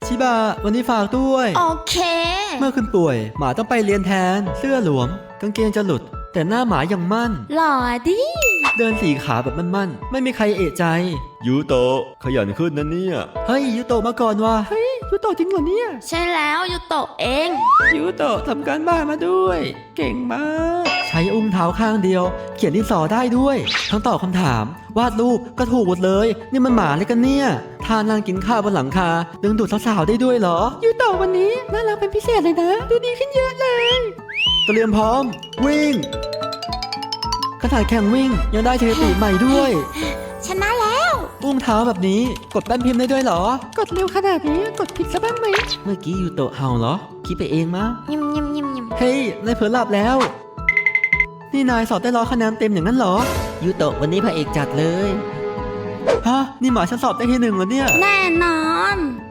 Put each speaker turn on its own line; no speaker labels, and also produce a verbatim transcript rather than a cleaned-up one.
ชิบะวันนี้ฝากด้วย
โอเค
เมื่อคุณป่วยหมาต้องไปเรียนแทนเสื้อหลวมกางเกงจะหลุดแต่หน้าหมายังมั่น
หล่อดิ
เดินสี่ขาแบบมั่นๆไม่มีใครเอะใจ
ยูโตะขยันขึ้นนะเนี่ย
เฮ้ยยูโตะมาก่อนว่ะเฮ้ยยูโตะจริงเหรอเนี่ย
ใช่แล้วยูโตะเอง
ยูโตะทำการบ้านมาด้วย เก่งมาก ใช้อุ้งเท้าข้างเดียว เขียนดินสอได้ด้วย ทั้งตอบคำถาม วาดรูปก็ถูกหมดเลย นี่มันหมาเลยกันเนี่ยท่านั่งกินข้าวบนหลังคาดึงดูดสาวๆได้ด้วยเหรอยูโตะวันนี้น่ารักเป็นพิเศษเลยนะ ดูดีขึ้นเยอะเลย เตรียมพร้อม วิ่งขนาดแข่งวิ่งยังได้สถิติใหม่ด้วย
ชนะแล้ว
อุ้งเท้าแบบนี้กดแป้นพิมพ์ได้ด้วยเหรอ กดเร็วขนาดนี้กดผิดซะบ้างไหมเมื่อกี้ยูโตะเห่าเหรอคิดไปเองมั้ง
ยิมยิมยิมยิม
เฮ้ยนายเผลอหลับแล้ว นี่นายสอบได้ร้อยคะแนนเต็มอย่างนั้นเหรอ ยูโตะวันนี้พระเอกจัดเลย ฮะ นี่หมาฉันสอบได้ที่หนึ่งแล้วเนี่ย
แน่นอน